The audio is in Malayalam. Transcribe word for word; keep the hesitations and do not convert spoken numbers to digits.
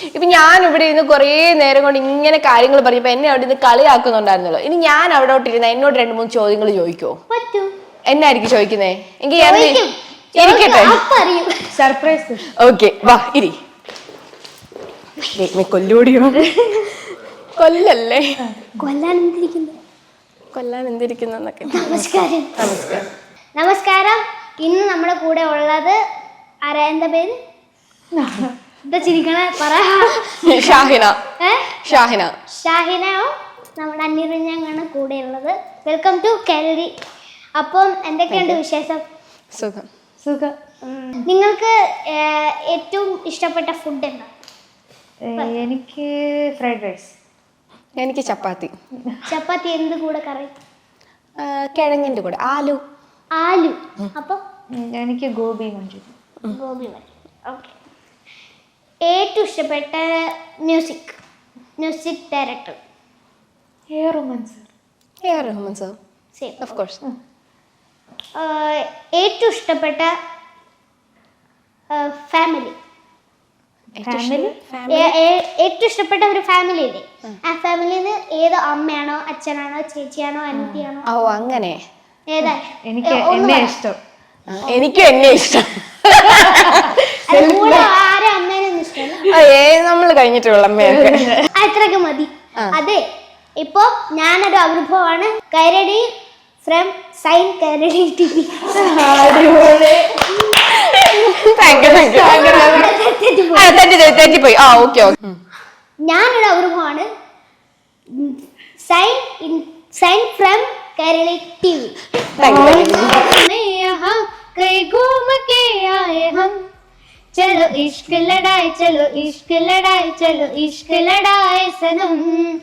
ഇപ്പൊ ഞാൻ ഇവിടെ ഇരുന്ന് കുറേ നേരം കൊണ്ട് ഇങ്ങനെ കാര്യങ്ങൾ പറയുമ്പോ എന്നെ അവിടെ നിന്ന് കളിയാക്കുന്നുണ്ടായിരുന്നല്ലോ. ഇനി ഞാൻ അവിടോട്ട് ഇരുന്ന എന്നോട് രണ്ട് മൂന്ന് ചോദ്യങ്ങൾ ചോദിക്കോ? എന്നായിരിക്കും ചോദിക്കുന്നേ? എങ്കിൽ ഇരിക്കട്ടെ, സർപ്രൈസ്. ഓക്കെ, വാ ഇരി. കൊല്ലൂടിയോ? കൊല്ലല്ലേ, കൊല്ലാൻ എന്തിരിക്കുന്നു, കൊല്ലാൻ എന്തിരിക്കുന്നൊക്കെ. നമസ്കാരം. നമസ്കാരം. നമസ്കാരം. ഇന്ന് നമ്മുടെ കൂടെ ഉള്ളത് ആരാ? എന്താ പേര്? എന്താ ചിരിക്കണേ? പറ. ഷാഹിന. ഷാഹിന. ഷാഹിനയോ നമ്മുടെ അന്യറിഞ്ഞാണ് കൂടെ ഉള്ളത്. Welcome to Kerali. അപ്പം എന്തൊക്കെയുണ്ട് വിശേഷം? സുഖം. സുഖം. നിങ്ങൾക്ക് ഏറ്റവും ഇഷ്ടപ്പെട്ട ഫുഡ് എന്താ? എനിക്ക് ഫ്രൈഡ് റൈസ്. എനിക്ക് ചപ്പാത്തി. ചപ്പാത്തി എന്ത് കൂടെ കറി? കിഴങ്ങിന്റെ കൂടെ ആലു. ആലു. അപ്പൊ എനിക്ക് ഗോബി മഞ്ചൂരി. ഗോബി മഞ്ചൂരി. ഓക്കെ. ഏറ്റവും ഇഷ്ടപ്പെട്ട music music director? A Rahman sir. A Rahman sir. Same, of course. ഏറ്റവും ഇഷ്ടപ്പെട്ട ഫാമിലി? ഫാമിലി ഏറ്റവും ഇഷ്ടപ്പെട്ട ഒരു ഫാമിലി ഇല്ലേ, ആ ഫാമിലിന്ന് ഏതോ അമ്മയാണോ അച്ഛനാണോ ചേച്ചിയാണോ അനിയത്തിയാണോ? ഓ അങ്ങനെ. ഏതാ? എനിക്ക് എന്നെ ഇഷ്ടം. എനിക്കും എന്നെ ഇഷ്ടം. ആരെ അമ്മേനൊന്നും ഇഷ്ടമല്ല. ഏ നമ്മള് കഴിഞ്ഞിട്ടുള്ള അമ്മയൊക്കെ അത്രയൊക്കെ മതി. അതെ, ഇപ്പൊ ഞാനൊരു അനുഭവമാണ്. Kairali from sign Kairali T V. തെറ്റിപ്പോയി. ആ ഓക്കെ ഓക്കെ. ഞാനൊരു അനുഭവമാണ്. Sign in sign from Kairali T V. चलो इश्क लड़ाए चलो इश्क लड़ाए चलो इश्क लड़ाए सनम